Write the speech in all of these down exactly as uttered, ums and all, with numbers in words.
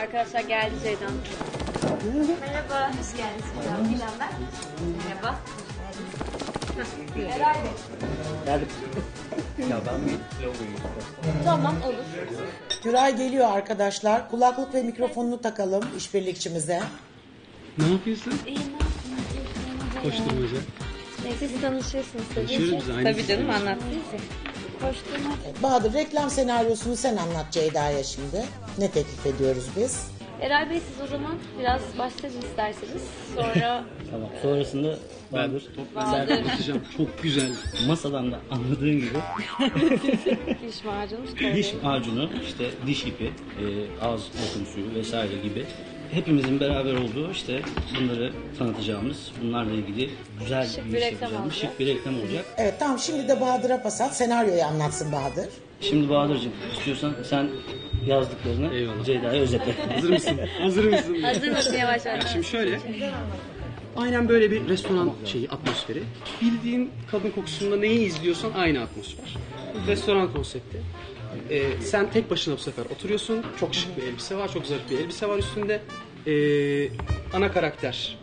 Arkadaşlar geldi Ceydan. Merhaba. Hoş geldiniz. Gülen ben. Merhaba. Herhalde. Geldim. Ya ben bir logoyu. Tamam olur. Güray geliyor arkadaşlar. Kulaklık ve mikrofonunu takalım işbirlikçimize. Ne yapıyorsun? İyi ne yapayım? Koşturmaca. Neyse siz tanışıyorsunuz tabii. Tanışıyoruz biz, aynı Tabii canım sınıftayız. anlattınız ya. Koşturma. Bahadır reklam senaryosunu sen anlat Ceyda'ya şimdi. Ne teklif ediyoruz biz? Eray Bey siz o zaman biraz başlayın isterseniz. Sonra Tamam. Sonrasında Ben Bahadır. Bahadır. Anlatacağım. Çok güzel. Masadan da anladığın gibi diş macunu diş macunu, işte diş ipi, e, ağız bakım suyu vesaire gibi hepimizin beraber olduğu işte bunları tanıtacağımız, bunlarla ilgili güzel Şık bir bir iş reklam yapacağımız olacak. şık bir reklam olacak. Evet tamam şimdi de Bahadır'a pas at. Senaryoyu anlatsın Bahadır. Şimdi Bahadır'cığım istiyorsan sen yazdıklarını Eyvallah. Ceyda'ya özetle. Hazır mısın? Hazır mısın? Hazır mısın yavaş yavaş? Şimdi şöyle. Aynen böyle bir restoran şeyi, atmosferi. Bildiğin kadın kokusunda neyi izliyorsan aynı atmosfer. Restoran konsepti. Ee, sen tek başına bu sefer oturuyorsun. Çok şık bir elbise var, çok zarif bir elbise var üstünde. Ee, ana karakter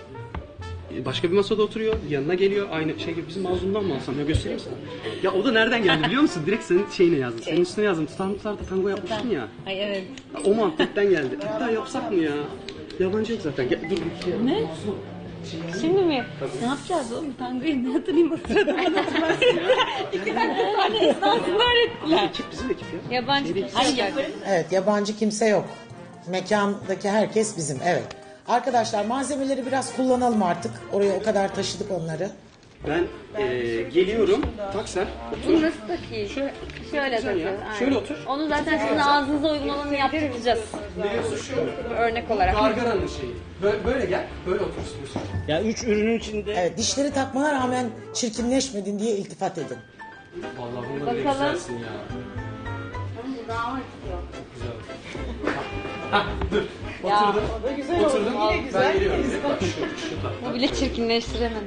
başka bir masada oturuyor, yanına geliyor. Aynı şey gibi bizim mazlumdan mı alsam ya, göstereyim sana. Ya o da nereden geldi biliyor musun? Direkt senin şeyine yazdım. Senin üstüne yazdım. Tutar tutar da tango yapmıştın ya. Ay evet. Ya o muhabbetten geldi. Hatta yapsak mı ya? Yabancı yok zaten. Gel, dur. Ne? Şimdi mi? Ne yapacağız oğlum? Tangoyu ne hatırlayayım o sırada bana hatırlarsın. İki dakika sonra esnasını öğrettiler. Ekip bizim ekip ya. Yabancı kimse Ay, yok. yaparız. Evet yabancı kimse yok. Mekandaki herkes bizim evet. Arkadaşlar malzemeleri biraz kullanalım artık. Oraya o kadar taşıdık onları. Ben eee, geliyorum. Tak sen. Bunu nasıl takayım? Şöyle. Şöyle Güzel ya. takıyoruz. aynen. Şöyle otur. Onu zaten sizin ağzınıza uygulamanı yaptıracağız. Biliyorsun şu. Örnek olarak. Gargaranın şeyi. Böyle, böyle gel. Böyle otur istiyorsun. Ya üç ürünün içinde Evet dişleri takmana rağmen çirkinleşmedin diye iltifat edin. Vallahi bunda bile Bakalım. güzelsin ya. Dudağım acıtıyor. Hah dur. Ya, Oturdum. o da güzel Oturdum. Ben geliyorum. Bak şu, şu tak. Bu bile çirkinleştiremedi.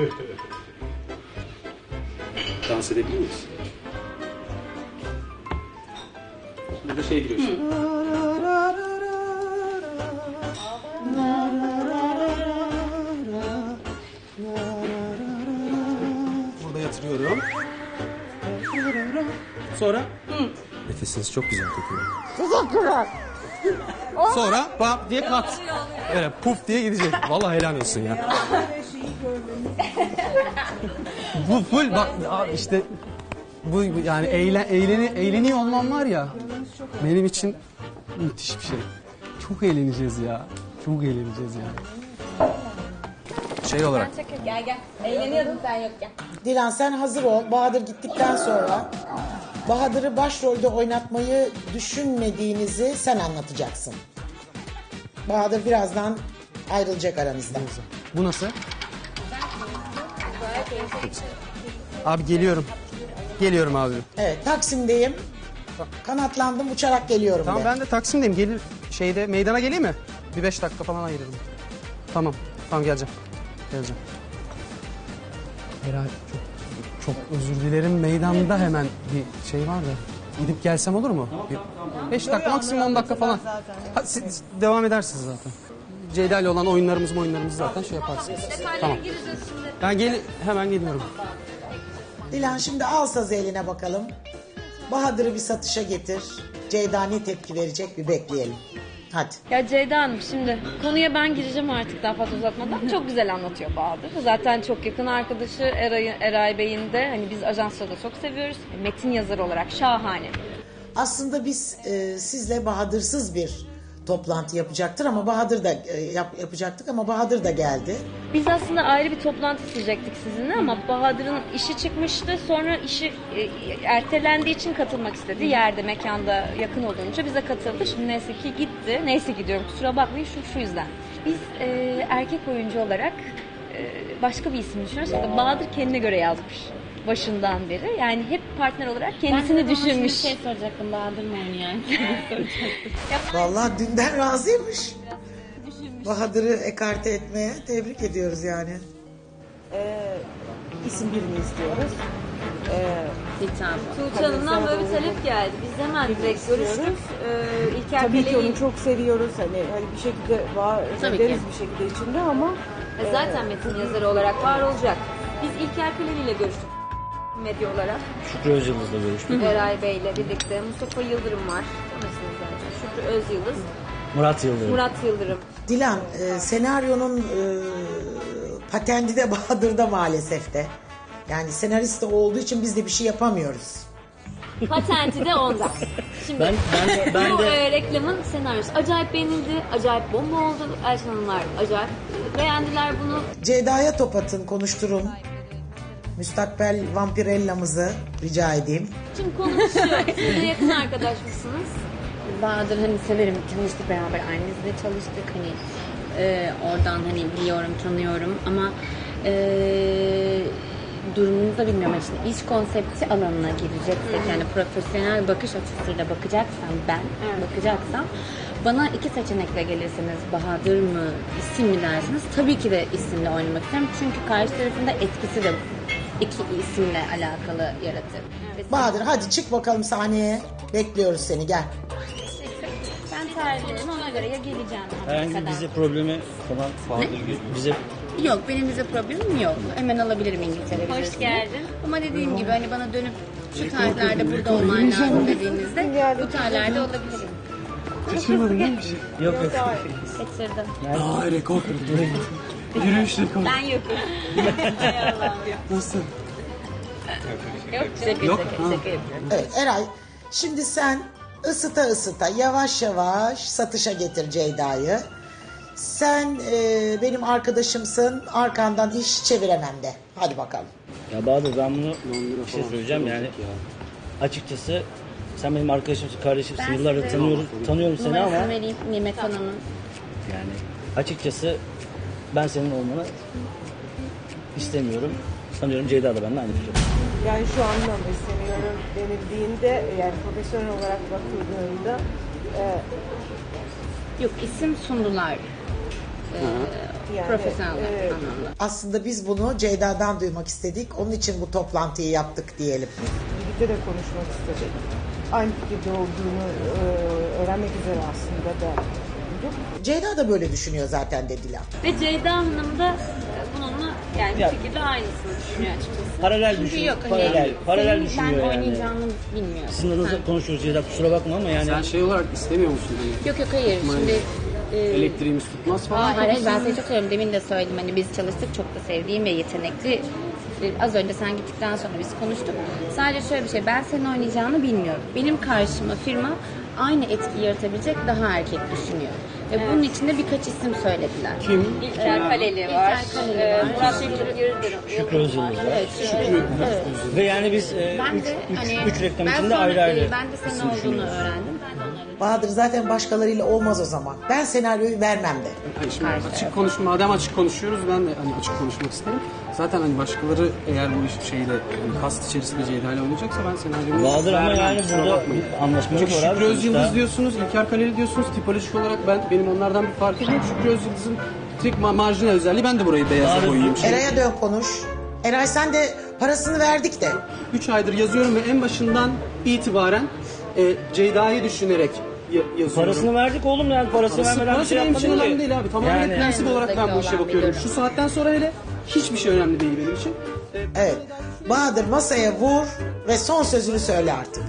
Dans edebilir miyiz? Burada şey giriyor şimdi. Burada yatırıyorum. Sonra? Nefesiniz çok güzel kokuyor. Teşekkürler. Sonra bam diye kat. Böyle puf diye gidecek. Vallahi helal olsun ya. Bu full bak abi işte bu yani eğlen, eğleni, eğleniyor olmam var ya benim için müthiş bir şey. Çok eğleneceğiz ya. Çok eğleneceğiz yani. Şey olarak. Gel gel. Eğleniyordun sen yokken. Dilan sen hazır ol. Bahadır gittikten sonra Bahadır'ı başrolde oynatmayı düşünmediğinizi sen anlatacaksın. Bahadır birazdan ayrılacak aranızdan. Bu nasıl? Abi geliyorum. Geliyorum abi. Evet Taksim'deyim. Kanatlandım uçarak geliyorum Tamam de. ben de Taksim'deyim. Gelir şeyde meydana geleyim mi? Bir beş dakika falan ayırırım. Tamam. Tamam geleceğim. Geleceğim. Herhalde çok çok özür dilerim. Meydanda hemen bir şey var da. Gidip gelsem olur mu? Bir beş dakika maksimum on dakika falan. Ha, siz devam edersiniz zaten. Ceyda ile olan oyunlarımız oyunlarımız zaten şey yaparsınız. Tamam. Ben gel hemen geliyorum. Dilan şimdi al sazı eline bakalım. Bahadır'ı bir satışa getir. Ceyda ne tepki verecek bir bekleyelim. Hadi. Ya Ceyda Hanım şimdi konuya ben gireceğim artık daha fazla uzatmadan. Çok güzel anlatıyor Bahadır. Zaten çok yakın arkadaşı Eray, Eray Bey'in de hani biz ajansla da çok seviyoruz. Metin yazarı olarak şahane. Aslında biz e, sizle Bahadır'sız bir toplantı yapacaktır ama Bahadır da e, yap, yapacaktık ama Bahadır da geldi. Biz aslında ayrı bir toplantı isteyecektik sizinle ama Bahadır'ın işi çıkmıştı. Sonra işi e, ertelendiği için katılmak istedi. Yerde, mekanda yakın olunca bize katıldı. Şimdi neyse ki gitti. Neyse ki diyorum kusura bakmayın şu, şu yüzden. Biz e, erkek oyuncu olarak e, başka bir isim düşünüyoruz. Fakat Bahadır kendine göre yazmış başından beri. Yani hep partner olarak kendisini düşünmüş. şey soracaktım, Bahadır mı oynayan? Vallahi dünden razıymış. Bahadır'ı ekarte etmeye tebrik ediyoruz yani. İsim birini istiyoruz. Hitabı. Tuğçe Hanım'dan böyle bir talep geldi. Biz hemen direkt görüştük. Ee, İlker Tabii ki Kele'yi onu çok seviyoruz. Hani, hani bir şekilde var Tabii ederiz ki. bir şekilde içinde ama E, zaten metin yazarı olarak var olacak. Biz İlker Kaleli ile görüştük medya olarak. Şükrü Özyıldız'la görüştük. Eray Bey ile birlikte. Mustafa Yıldırım var. Tanırsınız zaten. Şükrü Özyıldız. Murat Yıldırım. Murat Yıldırım. Dilan, e, senaryonun e, patenti de Bahadır'da maalesef de. Yani senarist de olduğu için biz de bir şey yapamıyoruz. Patenti de onda. Şimdi Ben ben ben bu de e, reklamın senaryosu acayip beğenildi. Acayip bomba oldu. Elçin Hanımlar acayip beğendiler bunu. Ceyda'ya top atın, konuşturun. Müstakbel vampirellamızı rica edeyim. Şimdi konu şu. Siz de yakın arkadaş mısınız? Bahadır hani severim. Çalıştık beraber. Aynı dizide çalıştık. Hani e, oradan hani biliyorum, tanıyorum ama e, durumunu da bilmiyorum. Yani şimdi iş konsepti alanına gireceksek yani profesyonel bakış açısıyla bakacaksam ben bakacaksam bana iki seçenekle gelirseniz Bahadır mı isim mi dersiniz tabii ki de isimle oynamak isterim. Çünkü karşı tarafında etkisi de iki isimle alakalı yaratır. Ve Bahadır hadi çık bakalım sahneye. Bekliyoruz seni, gel. ben tercihim ona göre ya geleceğim herhangi bir Amerika'dan. vize problemi falan Bahadır bize Yok benim vize problemim yok. Hemen alabilirim İngiltere Hoş vizesini. geldin. Ama dediğim gibi hani bana dönüp şu tarihlerde burada olman lazım dediğinizde bu tarihlerde olabilirim. Kaçırmadın değil mi bir şey? yok yok. Kaçırdım. Aa rekor kırdı. Yürüyüş rekoru. Ben yokum. Nasıl? Yok şaka Yok, şaka ha. şaka yapıyorum. Evet Eray, şimdi sen ısıta ısıta yavaş yavaş satışa getir Ceyda'yı. Sen e, benim arkadaşımsın, arkandan iş çeviremem de. Hadi bakalım. Ya Bahadır ben bunu bir şey söyleyeceğim yani açıkçası sen benim arkadaşımsın, kardeşimsin, Ben yıllardır size tanıyorum, tanıyorum seni ama Numarasını vereyim Nimet Hanım'ın. yani açıkçası ben senin olmanı istemiyorum. Sanıyorum Ceyda da benimle aynı fikirde. yani şu anda mı istemiyorum denildiğinde yani profesyonel olarak bakıldığında e, Yok isim sundular. yani Profesyonel e, anlamda. Aslında biz bunu Ceyda'dan duymak istedik. Onun için bu toplantıyı yaptık diyelim. birlikte de konuşmak istedik. Aynı fikirde olduğunu e, öğrenmek üzere aslında da bulduk. Ceyda da böyle düşünüyor zaten dediler. Ve Ceyda Hanım da e, bununla yani Ya. bir şekilde aynısını düşünüyor açıkçası. Paralel Çünkü düşün, yok hani paralel, paralel senin düşünüyor ben yani. oynayacağını bilmiyorum. Sizin adınıza konuşuyoruz Ceyda, kusura bakma ama yani Sen şey olarak istemiyor musun? Hani Yok yok hayır şimdi e, elektriğimiz tutmaz falan. Hayır, hayır ben seni çok seviyorum. Demin de söyledim hani biz çalıştık çok da sevdiğim ve yetenekli. Az önce sen gittikten sonra biz konuştuk. Sadece şöyle bir şey ben senin oynayacağını bilmiyorum. Benim karşıma firma aynı etki yaratabilecek daha erkek düşünüyor. Ve bunun için de birkaç isim söylediler. Kim? İlker Kaleli var. İlker Kaleli e, var. Murat Yıldırım. Şükrü Özyıldız var. Evet, Şükrü. Ve yani biz e, Ben üç, de üç, hani üç reklam ben içinde sonra, ayrı ayrı. e, Ben de senin olduğunu öğrendim. Ben de onları Bahadır zaten başkalarıyla olmaz o zaman. Ben senaryoyu vermem de. Hani şimdi açık konuşma, madem açık konuşuyoruz ben de hani açık konuşmak isterim. Zaten hani başkaları eğer bu iş şeyle hani kast içerisinde Ceyda ile oynayacaksa ben senaryomu Bahadır ama vermem, yani kusura burada bakmayın. bir anlaşmamız Çünkü var abi Şükrü Özyıldız sonuçta. diyorsunuz, İlker Kaleli diyorsunuz. Tipolojik olarak ben benim onlardan bir farkım yok. Şükrü Özyıldız'ın tek ma- marjinal özelliği ben de burayı beyaza Bahadır- koyayım. Eray'a dön konuş. Eray sen de parasını verdik de. üç aydır yazıyorum ve en başından itibaren e, Ceyda'yı düşünerek ya- yazıyorum. Parasını verdik oğlum yani parasını Parası, vermeden bir parası şey benim için yapmadın önemli ki. değil abi. Tamamen Yani- prensip olarak ben bu işe Yanınızdaki olan bakıyorum. bir Şu durum. saatten sonra hele hiçbir şey önemli değil benim için. E, Evet. Bahadır masaya vur ve son sözünü söyle artık.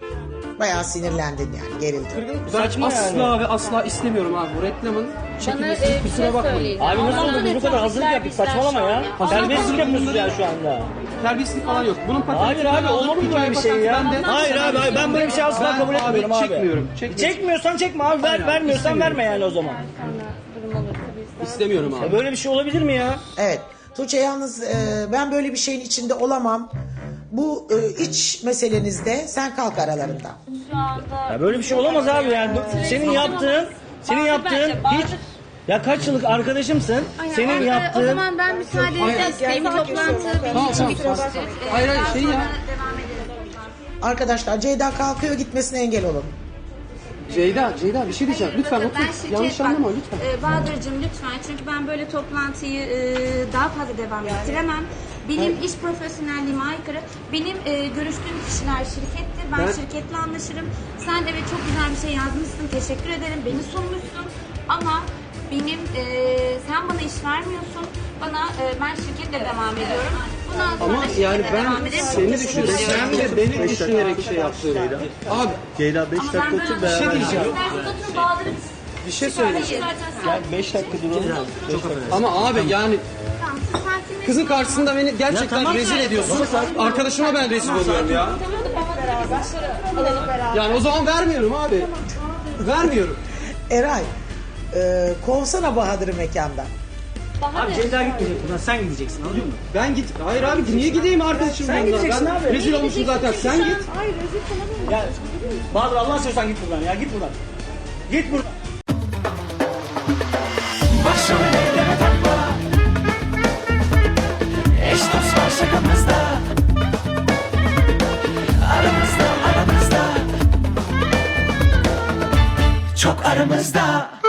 Bayağı sinirlendin yani, gerildin. Ben Saçma asla yani. ve asla istemiyorum abi bu reklamın Bana çekilmesini e, bir kusura şey bakmayın. söyleyeceğim. Abi nasıl Ondan olur biz bu kadar hazırlık yaptık saçmalama ya. Terbiyesizlik yapıyorsunuz ya şu anda. Terbiyesizlik falan yok. Bunun patenti Hayır abi olur mu böyle bir şey ya? Hayır abi hayır, ben böyle bir şey asla Ben kabul abi etmiyorum abi. çekmiyorum, çekmiyorum. Çekmiyorsan çekme abi ver, Hayır, vermiyorsan istemiyorum. verme yani o zaman. durum olursa biz İstemiyorum Ya abi. böyle bir şey olabilir mi ya? Evet. Tuğçe yalnız e, ben böyle bir şeyin içinde olamam. Bu e, iç meselenizde sen kalk aralarında. Şu anda Ya böyle bir şey olamaz abi yani. Bu- Senin yaptığın, senin Bahadır yaptığın bence, Bahadır- hiç... Ya kaç yıllık arkadaşımsın, Aynen, senin o- yaptığın... O zaman ben müsaade edeceğim. Benim toplantı benim Tamam için tamam. bitmiştir. Hayır hayır şey ya. Arkadaşlar Ceyda kalkıyor, gitmesine engel olun. Ceyda, Ceyda bir şey diyeceğim. Lütfen Bakın, otur. ben şirket- Yanlış bak, anlama lütfen. e, Bahadır'cığım lütfen, çünkü ben böyle toplantıyı e, daha fazla devam ettiremem. Benim iş profesyonelliğime aykırı. Benim e, görüştüğüm kişiler şirkettir. Ben, Ben- şirketle anlaşırım. Sen de evet çok güzel bir şey yazmışsın. Teşekkür ederim. Beni sunmuşsun. Ama benim e, sen bana iş vermiyorsun. Bana e, ben şirketle devam ediyorum. Bundan sonra Ama şirketle yani ben devam ederim. seni Çok teşekkür düşünerek, ediyorum. sen de beni düşünerek şey yaptım. Abi Ceyda beş Ama dakika ben otur böyle- beraber. şey diyeceğim. İsterseniz oturun, Bahadır'ı bir şey söyleyeceğim. beş dakika duralım. Çok affedersin. Ama abi yani Tamam, siz sakinleşin. kızın karşısında beni gerçekten rezil ediyorsun. Arkadaşıma ben rezil oluyorum ya. Yani o zaman vermiyorum abi. Vermiyorum. Eray, e, kovsana Bahadır'ı mekandan. Abi Ceyda gitmeyecek buradan, sen gideceksin, anlıyor musun? Ben git. Hayır abi niye gideyim arkadaşım Sen yanına? gideceksin Ben abi. rezil olmuşum zaten. Sen git. Ya Bahadır Allah'ını seversen git buradan ya, git buradan. Git buradan. Başım elleme takma. Eş dost var şakamızda. Aramızda aramızda. Çok aramızda.